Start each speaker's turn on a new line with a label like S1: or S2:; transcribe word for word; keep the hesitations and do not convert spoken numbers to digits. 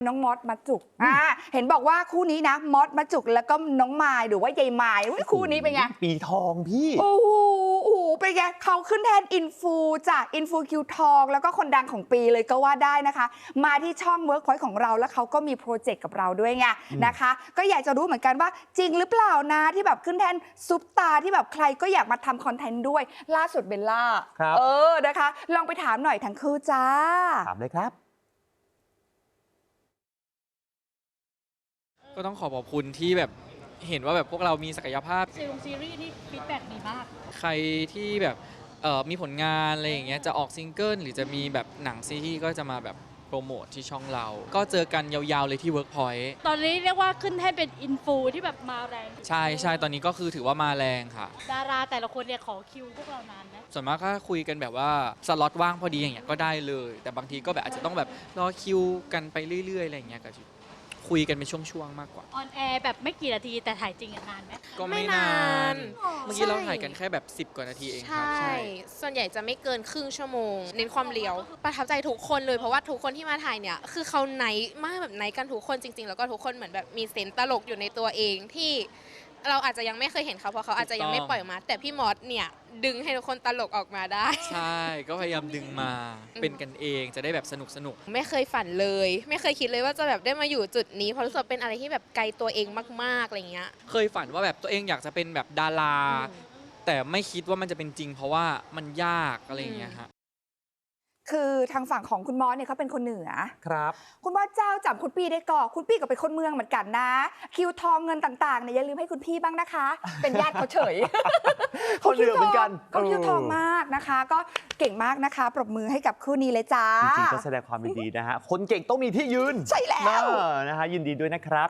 S1: น้องมอสมัดจุกอ่าเห็นบอกว่าคู่นี้นะมอสมัดจุกแล้วก็น้องมายหรือว่ายายมายคู่นี้เป็นไง
S2: ปีทองพี่
S1: โอ้โหโอ้โหเป็นไงเขาขึ้นแทนอินฟูจากอินฟูคิวทองแล้วก็คนดังของปีเลยก็ว่าได้นะคะมาที่ช่อง Workpoint ของเราแล้วเขาก็มีโปรเจกต์กับเราด้วยไงนะคะก็อยากจะรู้เหมือนกันว่าจริงหรือเปล่านะที่แบบขึ้นแทนซุปตาที่แบบใครก็อยากมาทำคอนเทนต์ด้วยล่าสุดเบลล่าเออนะคะลองไปถามหน่อยทั้งคู่จ้า
S2: ถามเลยครับ
S3: ก็ต้องขอขอบคุณที่แบบเห็นว่าแบบพวกเรามีศักยภาพ
S4: ซีรีส์ซีรีส์นี่ฟีดแบ็กดีมาก
S3: ใครที่แบบเอ่อมีผลงานอะไรอย่างเงี้ยจะออกซิงเกิลหรือจะมีแบบหนังซีรีส์ก็จะมาแบบโปรโมทที่ช่องเรา ก็เจอกันยาวๆเลยที่ Workpoint
S4: ตอนนี้เรียกว่าขึ้นให้เป็นอินฟูที่แบบมาแรง
S3: ใช่ใช่ตอนนี้ก็คือถือว่ามาแรงค่ะ
S4: ดาราแต่ละคนเนี่ยขอคิวพวกเรานานนะ
S3: ส่วนมากก็คุยกันแบบว่าสล็อตว่างพอดีอย่างเงี้ยก็ได้เลย แต่บางทีก็แบบอาจจะต้องแบบรอคิวกันไปเรื่อยๆอะไรอย่างเงี้ยก็คุยกันเป็นช่วงๆมากกว่า
S4: ออนแอร์แบบไม่กี่นาทีแต่ถ่ายจริงอะนานไหม
S3: ก็ไม่นาน เมื่อกี้เราถ่ายกันแค่แบบสิบกว่านาทีเองครับ
S5: ใช่ ส่วนใหญ่จะไม่เกินครึ่งชั่วโมง เน้นความเลียว ประทับใจทุกคนเลยเพราะว่าทุกคนที่มาถ่ายเนี่ย คือเขาไนท์มากแบบไนท์กันทุกคนจริงๆ แล้วก็ทุกคนเหมือนแบบมีเซนส์ตลกอยู่ในตัวเองที่เราอาจจะยังไม่เคยเห็นเขาเพราะเขาอาจจะยังไม่ปล่อยออกมา แต่พี่มอสเนี่ยดึงให้ทุกคนตลกออกมาได้
S3: ใช่ก็พยายามดึงมาเป็นกันเองจะได้แบบสนุกสนุก
S5: ไม่เคยฝันเลย ไม่เคยคิดเลยว่าจะแบบได้มาอยู่จุดนี้เพราะรู้สึกว่าเป็นอะไรที่แบบไกลตัวเองมากๆอะไรเงี้ย
S3: เคยฝันว่าแบบตัวเองอยากจะเป็นแบบดารา
S5: อืม
S3: แต่ไม่คิดว่ามันจะเป็นจริง เพราะว่ามันยากอะไรอย่างเงี้ยฮะ
S1: คือทางฝั่งของคุณมอสเนี่ยเขาเป็นคนเหนือ
S2: ครับ
S1: คุณมอสเจ้าจำคุณปี้ได้ก่อนคุณปี้ก็เป็นคนเมืองเหมือนกันนะ คิวทองเงินต่างๆเนี่ยอย่าลืมให้คุณพี่บ้างนะคะ เป็นญาติเขาเฉย
S2: คนเหนือเหมือนกัน
S1: เขาคิวทองมากนะคะ ก็เก่งมากนะคะ ปรบมือให้กับคู่นี้เลยจ้า
S2: จริงๆก็แสดงความยินดีนะฮะคนเก่งต้องมีที่ยืน
S1: ใช่แล้ว
S2: เออนะฮะยินดีด้วยนะครับ